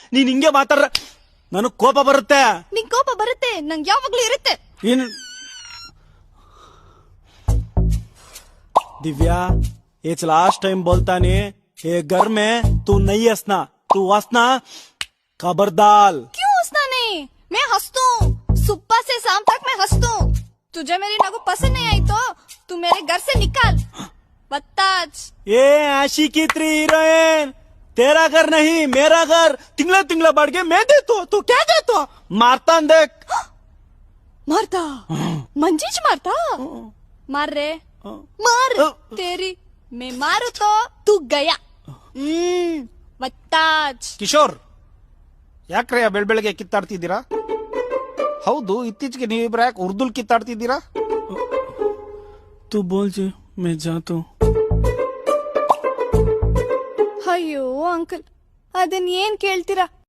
ನೀನ್ ಹಿಂಗೆ ಮಾತಾಡ್ರ ನನಗ್ ಕೋಪ ಬರುತ್ತೆ. ನಿಂಗ್ ಕೋಪ ಬರುತ್ತೆ, ನಂಗೆ ಯಾವಾಗ್ಲೂ ಇರುತ್ತೆ. ಏನ್ दिव्या, ये लास्ट टाइम बोलता नहीं, ये घर में तू नहीं हंसना, तू हंसना खबरदार. क्यों हंसना नहीं? मैं हंसतू, सुबह से शाम तक मैं हंसतू. तुझे मेरी नगु पसंद नहीं आई तो तू मेरे घर से निकाल. बत्ताज. ये आशिकी 3 हीरोइन, तेरा घर नहीं मेरा घर. तिंगला तिंगला बढ़ के मैं देता हूँ, तू क्या देता? मारता देख. मारता? मंजीज मारता? मार रे, मार. तेरी मैं मारू तो तू गया. बत्ताज. ಕಿಶೋರ್, ಯಾಕ್ರೆ ಬೆಳಬೆಳಗ್ಗೆ ಕಿತ್ತಾಡ್ತಿದ್ದೀರಾ? ಹೌದು, ಇತ್ತೀಚೆಗೆ ನೀವಿಬ್ರು ಯಾಕೆ ಉರ್ದುಲ್ ಕಿತ್ತಾಡ್ತಿದ್ದೀರಾ? तू बोल जी, मैं जाता हूँ. ಅಯ್ಯೋ ಅಂಕಲ್, ಅದನ್ ಏನ್ ಕೇಳ್ತೀರಾ?